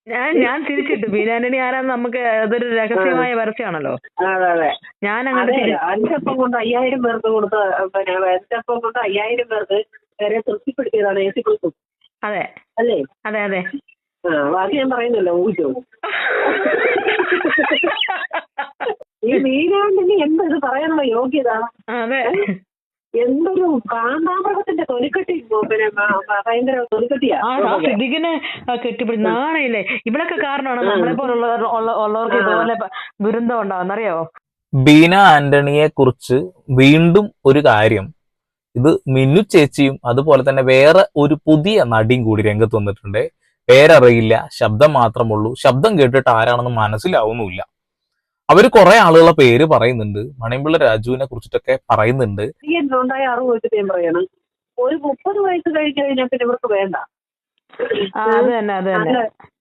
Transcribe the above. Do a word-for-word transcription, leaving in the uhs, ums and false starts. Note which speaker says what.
Speaker 1: ഞാൻ ഞാൻ തിരിച്ചിട്ടു. ബീന ആന്റണി ആരാന്ന് നമുക്ക് അതൊരു രഹസ്യമായ പരസ്യമാണല്ലോ.
Speaker 2: അതെ അതെ
Speaker 1: ഞാൻ അങ്ങനെ
Speaker 2: അതെ അഞ്ചപ്പം കൊണ്ട് അയ്യായിരം പേർക്ക് കൊടുത്ത പിന്നെ അഞ്ചപ്പം കൊണ്ട് അയ്യായിരം പേർക്ക് വരെ തൃപ്തിപ്പെടുത്തിയതാണ് എ സി കുറിച്ചും.
Speaker 1: അതെ
Speaker 2: അല്ലേ?
Speaker 1: അതെ അതെ
Speaker 2: ആ ബാക്കി ഞാൻ പറയുന്നല്ലോ ഊഹിച്ചോ. ഈ ബീനാണ്ടിന് എന്ത് പറയാനുള്ള യോഗ്യത?
Speaker 1: അതെ
Speaker 2: എന്തൊരു കാണ്ടാമൃഗത്തിന്റെ തൊലിക്കെട്ടി പിന്നെ ഭയങ്കര തൊലിക്കെട്ടിയാ.
Speaker 1: സിദ്ദിഖിനെ കെട്ടിപ്പിടി നാണയില്ലേ. ഇവളൊക്കെ കാരണമാണ് നമ്മളെ പോലുള്ള ഉള്ളവർക്ക് ഇതുപോലെ ദുരന്തം ഉണ്ടാവുന്നറിയാവോ?
Speaker 3: ബീന ആന്റണിയെ കുറിച്ച് വീണ്ടും ഒരു കാര്യം, ഇത് മിന്നു ചേച്ചിയും അതുപോലെ തന്നെ വേറെ ഒരു പുതിയ നടിയും കൂടി രംഗത്ത് വന്നിട്ടുണ്ട്. പേരറിയില്ല, ശബ്ദം മാത്രമുള്ളൂ. ശബ്ദം കേട്ടിട്ട് ആരാണെന്ന് മനസ്സിലാവുന്നുമില്ല. അവര് കുറെ ആളുകളെ പേര് പറയുന്നുണ്ട്. മണിയമ്പിള്ള രാജുവിനെ കുറിച്ചിട്ടൊക്കെ പറയുന്നുണ്ട്.
Speaker 2: ഉണ്ടായ അറിവ് വെച്ചിട്ട് ഞാൻ പറയാണ്, ഒരു മുപ്പത് വയസ്സ് കഴിഞ്ഞ് കഴിഞ്ഞാൽ പിന്നെ ഇവർക്ക് വേണ്ട.
Speaker 1: അത് തന്നെ അത് തന്നെ